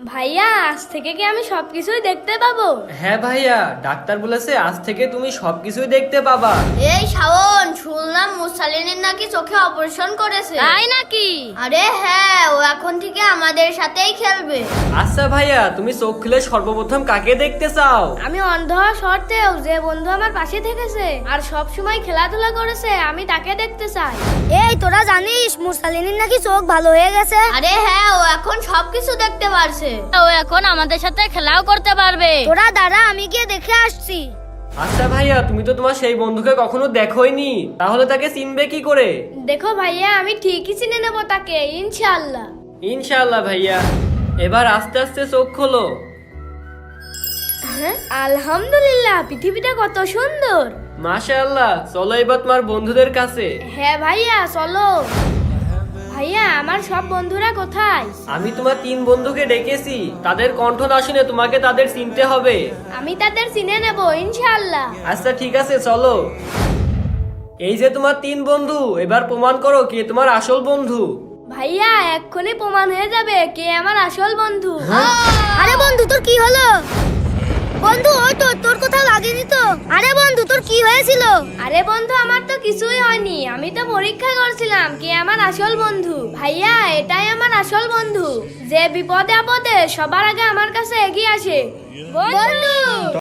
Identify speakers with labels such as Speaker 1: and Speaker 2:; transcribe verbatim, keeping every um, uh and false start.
Speaker 1: ভাইয়া আজ থেকে কি আমি সবকিছুই দেখতে পাবো?
Speaker 2: হ্যাঁ ভাইয়া, ডাক্তার বলেছে আজ থেকে তুমি সবকিছুই দেখতে পাবা।
Speaker 3: এই শাওন, শুনলাম মুসালিনের নাকি চোখে অপারেশন করেছে।
Speaker 1: তাই নাকি?
Speaker 3: আরে হ্যাঁ, ও এখন থেকে আমাদের সাথেই খেলবে।
Speaker 2: আচ্ছা ভাইয়া, তুমি চোখ খুলে সর্বপ্রথম কাকে দেখতে চাও?
Speaker 1: আমি অন্ধ হওয়া সত্ত্বেও যে বন্ধু আমার পাশে থেকেছে আর সব সময় খেলাধুলা করেছে আমি তাকে দেখতে চাই।
Speaker 4: এই তোরা জানিস মুসালিনীর নাকি চোখ ভালো হয়ে গেছে?
Speaker 3: আরে হ্যাঁ, ও এখন সবকিছু দেখতে পারছে।
Speaker 1: ও এখন আমাদের সাথে খেলাও করতে পারবে।
Speaker 4: তোরা দাঁড়া, আমি গিয়ে দেখে আসছি।
Speaker 2: আচ্ছা ভাইয়া, তুমি তো তোমার সেই বন্ধুকে কখনো দেখোইনি, তাহলে তাকে চিনবে কি করে?
Speaker 1: দেখো ভাইয়া, আমি ঠিকই চিনে নেবো তাকে, ইনশাআল্লাহ।
Speaker 2: ইনশাআল্লাহ ভাইয়া। এবার আস্তে আস্তে চোখ খোলো।
Speaker 1: হ্যাঁ, আলহামদুলিল্লাহ, পৃথিবীটা কত সুন্দর।
Speaker 2: মাশাআল্লাহ, চলো এবার তোমার বন্ধুদের কাছে।
Speaker 1: হ্যাঁ ভাইয়া চলো। ভাইয়া আমার সব বন্ধুরা কোথায়?
Speaker 2: আমি তোমার তিন বন্ধুকে ডেকেছি, তাদের কণ্ঠ না শুনে তোমাকে তাদের চিনতে হবে।
Speaker 1: আমি তাদের চিনে নেব ইনশাআল্লাহ।
Speaker 2: আচ্ছা ঠিক আছে, চলো। এই যে তোমার তিন বন্ধু, এবার প্রমাণ করো কে তোমার আসল বন্ধু।
Speaker 1: ভাইয়া এক্ষুনি প্রমাণ হয়ে যাবে কে আমার আসল বন্ধু।
Speaker 4: আরে বন্ধু তোর কি হলো? বন্ধু ওই তো, তোর কোথাও লাগেনি তো? আরে বন্ধু তোর কি হয়েছিল?
Speaker 1: আরে বন্ধু, আমার তো কিছুই হয়নি, আমি তো পরীক্ষা করছিলাম কে আমার আসল বন্ধু। ভাইয়া এটাই আমার আসল বন্ধু, যে বিপদে আপদে সবার আগে আমার কাছে এগিয়ে আসে। বন্ধু।